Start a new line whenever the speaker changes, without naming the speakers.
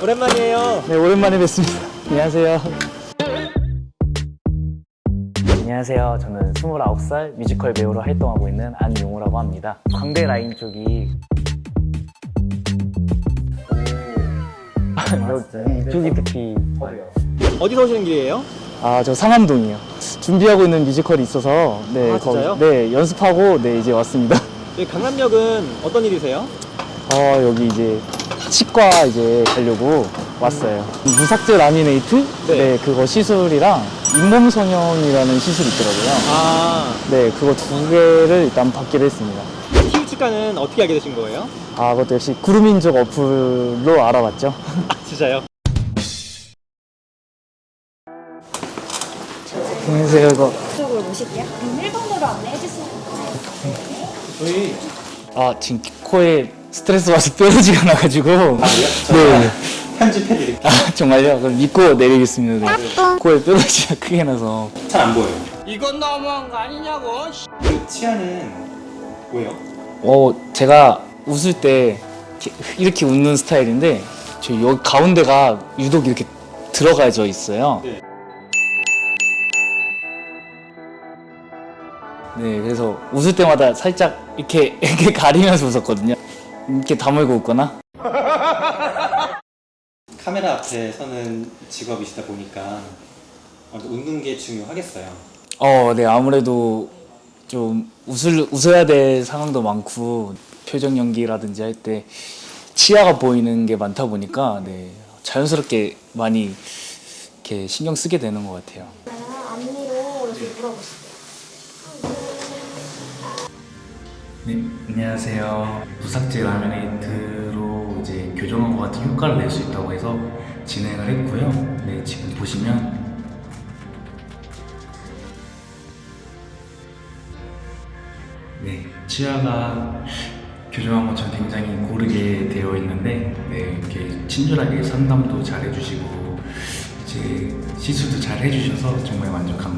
오랜만이에요.
네, 오랜만에 뵙습니다. 안녕하세요. 안녕하세요. 저는 29살 뮤지컬 배우로 활동하고 있는 안용우라고 합니다. 광대 라인 쪽이 이쪽이 특히
어디서 오시는 길이에요?
저 상암동이요. 준비하고 있는 뮤지컬이 있어서 네,
진짜요?
네, 연습하고 네, 이제 왔습니다.
여기 강남역은 어떤 일이세요?
여기 이제 치과 이제 가려고 왔어요. 무삭제 라미네이트? 네, 그거 시술이랑 잇몸 성형이라는 시술이 있더라고요. 네, 그거 두 개를 일단 받기로 했습니다.
TU치과는 어떻게 알게 되신 거예요?
그것도 역시 구루민족 어플로 알아봤죠.
진짜요?
안녕하세요. 이거
이쪽으로 모실게요. 그럼 1번으로 안내해 주시면
저희
지금 코에 스트레스 받아서 뾰루지가 나가지고. 네.
편집해드릴게요.
정말요? 그럼 믿고 내리겠습니다. 네. 코에 뾰루지가 크게 나서.
잘 안 보여요.
이건 너무한 거 아니냐고.
그 치아는 뭐예요?
제가 웃을 때 이렇게 웃는 스타일인데 저 여기 가운데가 유독 이렇게 들어가져 있어요.
네.
네, 그래서 웃을 때마다 살짝 이렇게 가리면서 웃었거든요. 이렇게 다물고 웃거나.
카메라 앞에 서는 직업이시다 보니까 웃는 게 중요하겠어요.
네, 아무래도 좀 웃어야 될 상황도 많고 표정 연기라든지 할 때 치아가 보이는 게 많다 보니까 네, 자연스럽게 많이 이렇게 신경 쓰게 되는 것 같아요.
앞니로 이렇게 물어보실게요.
네, 안녕하세요. 무삭제 라미네이트로 이제 교정하고 같은 효과를 낼 수 있다고 해서 진행을 했고요. 네, 지금 보시면 네, 치아가 교정한 것처럼 굉장히 고르게 되어 있는데 네, 이렇게 친절하게 상담도 잘 해주시고 이제 시술도 잘 해주셔서 정말 만족합니다.